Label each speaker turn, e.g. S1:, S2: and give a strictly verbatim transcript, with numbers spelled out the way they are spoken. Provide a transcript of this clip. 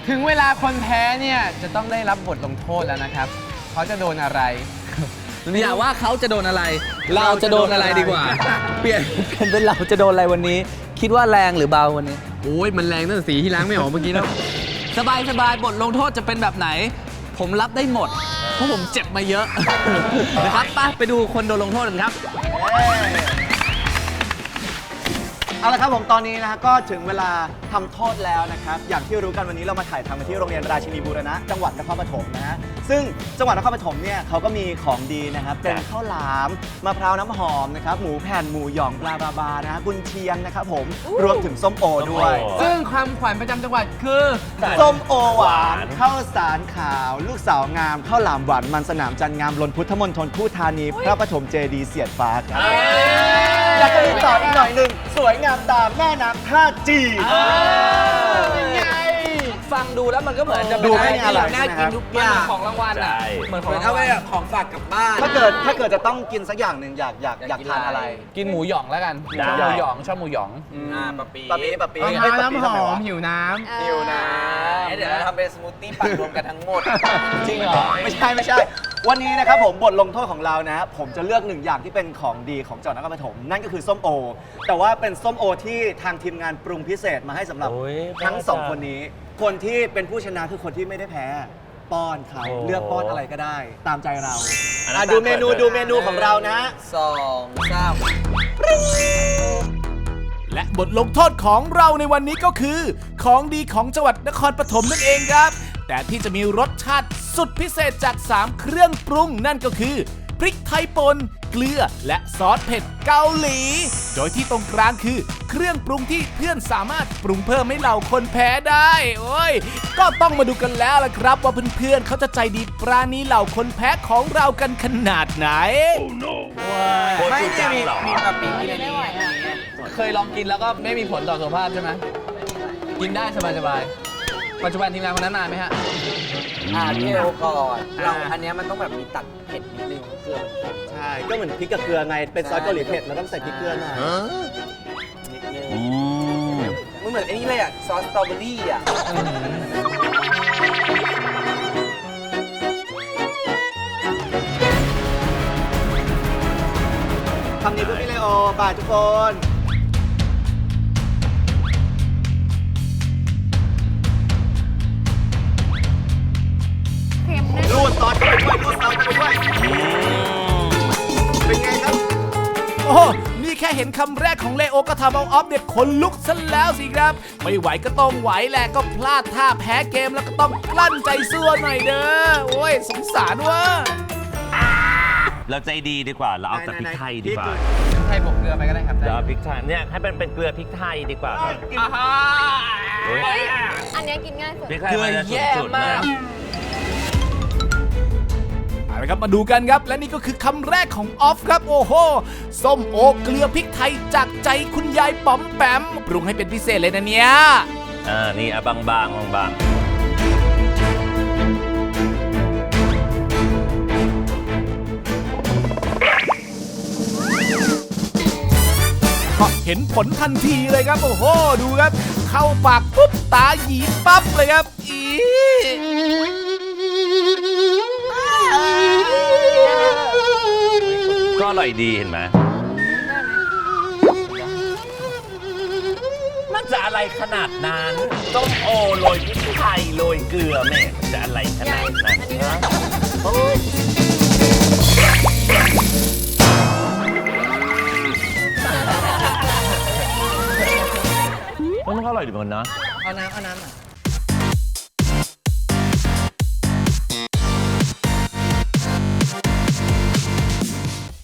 S1: ถึงเวลาคนแพ้เนี่ยจะต้องได้รับบทลงโทษแล้วนะครับเขาจะโดนอะไร
S2: อย่าว่าเขาจะโดนอะไรเราจะโดนอะไรดีกว่าเปลี่ยนเป็นเป็นเราจะโดนอะไรวันนี้คิดว่าแรงหรือเบาวันนี้
S1: โอ้ยมันแรงตั้งแต่สีที่ล้างไม่ออกเมื่อกี้แล้ว
S2: สบายสบายบทลงโทษจะเป็นแบบไหนผมรับได้หมดเพราะผมเจ็บมาเยอะนะครับไปไปดูคนโดนลงโทษกันครับ
S3: เอาละครับผมตอนนี้นะฮะก็ถึงเวลาทำโทษแล้วนะครับอย่างที่รู้กันวันนี้เรามาถ่ายทำกันที่โรงเรียนราชินีบูรณะจังหวัดนครปฐมนะฮะซึ่งจังหวัดนครปฐมเนี่ยเขาก็มีของดีนะครับเป็นข้าวหลามมะพร้าวน้ำหอมนะครับหมูแผ่นหมูหยองปลาบาบานะฮะกุนเชียงนะครับผมรวมถึงส้มโอด้วย
S1: ซึ่งความขวัญประจำจังหวัดคือ
S3: ส้มโอหวานข้าวสารขาวลูกสาวงามข้าวหลามหวานมันสนามจันงามลนพุทธมณฑลคู่ธานีพระปฐมเจดีย์เสียดฟ้าครับแล้วก็มีต่ออีกหน่อยหนึ่งสวยงามตามแม่น้ำท่าจีน
S2: ฟังดูแล้วมันก็เหมือนจะ
S3: ดูไม่อร่อย
S2: น่ากินทุกอย่างของรางวัลอ่ะเหมือนของเอาไปของฝากกลับบ้าน
S3: ถ้าเกิดถ้าเกิดจะต้องกินสักอย่างหนึ่งอยากอยากอยากทานอะไร
S2: กินหมูหยองแล้วกันชอบหมูหยองชอบหมูหยอง
S3: อ่าปะปีปะปีปะปี
S1: น้ำหอมหิวน้ำ
S3: หิวน้ำ
S2: เดี๋ยวเราทำเป็นสมูทตี้ปั่นรวมกันทั้งหมด
S3: จริงเหรอไม่ใช่ไม่ใช่วันนี้นะครับผมบทลงโทษของเรานะผมจะเลือกหนึ่งอย่างที่เป็นของดีของจังหวัดนครปฐมนั่นก็คือส้มโอแต่ว่าเป็นส้มโอที่ทางทีมงานปรุงพิเศษมาให้สำหรับทั้งสองคนนี้คนที่เป็นผู้ชนะคือคนที่ไม่ได้แพ้ป้อนเขาเลือกป้อนอะไรก็ได้ตามใจเราดูเมนูดูเมนูของเรานะ
S2: สองสาม
S4: และบทลงโทษของเราในวันนี้ก็คือของดีของจังหวัดนครปฐมนั่นเองครับแต่ที่จะมีรสชาติสุดพิเศษจากสามเครื่องปรุงนั่นก็คือพริกไทยป่นเกลือและซอสเผ็ดเกาหลีโดยที่ตรงกลางคือเครื่องปรุงที่เพื่อนสามารถปรุงเพิ่มให้เหล่าคนแพ้ได้โอ้ยก็ต้องมาดูกันแล้วล่ะครับว่าเพื่อนๆเขาจะใจดีปราณีเหล่าคนแพ้ของเรากันขนาดไหน
S2: oh, no. ไม่ได้มีมีแบบปีกินอะไรเคยลองกินแล้วก็ไม่มีผลต่อสุขภาพใช่ไหมกินได้สบายๆปัจจุบันทีมงานคนนั้นนานไหมฮะ
S5: อ่าพี่เอวก่อนเราอันนี้มันต้องแบบมีตัดเผ็ดนิดนึงเกลือ
S3: ใช่ก็เหมือนพริกกับเกลือไงเป็นซอสเกาหลีเผ็ดเราต้องใส่พริกเกลือหน่อย
S5: นิดนึงมันเหมือนไอ้นี่เลยอ่ะซอสสตรอเบอรี่อ่ะ
S3: คำนี้เพื่อพี่เลโอบ่ายทุกคน รูดซอสเข้าไปด้วยรูดซอสเข้าไปด้วยเป็นไงครับ
S4: โอ้นี่แค่เห็นคำแรกของเลโอก็ทำเอาออฟเนี่ยขนลุกซะแล้วสิครับไม่ไหวก็ต้องไหวแหละก็พลาดท่าแพ้เกมแล้วก็ต้องกลั้นใจสู้หน่อยเด้อโอ้ยสงสารว่ะ
S6: เราใจดีดีกว่าเราเอาแต่พริกไทยดีกว่า
S1: พริกไทยบวกเกลือไปก็ได้ครับ
S6: เดี๋ยวพริกไทยเนี่ยให้เป็นเป็นเกลือพริกไทยดีกว่าครับ
S7: อันนี้กินง่ายสุด
S6: พริกไทยมันจะสุดๆนะ
S4: เอาละครับมาดูกันครับและนี่ก็คือคำแรกของออฟครับโอ้โหส้มโอเกลือพริกไทยจากใจคุณยายป๋อมแปมปรุงให้เป็นพิเศษเลยนะเนี่ย
S6: อ่านี่อ่ะบางๆบางๆ
S4: เห็นผลทันทีเลยครับโอ้โหดูครับเข้าปากปุ๊บตาหยีปั๊บเลยครับอี
S6: ก็อร่อยดีเห็นไหมมันจะอะไรขนาดนั้นต้มโอโรยพริกไทยโรยเกลือแม่จะอะไรขนาดนั้นมันก็อร่อยดีเหมือนกันนะ
S2: เอาน้ำเอาน้ำอ่ะ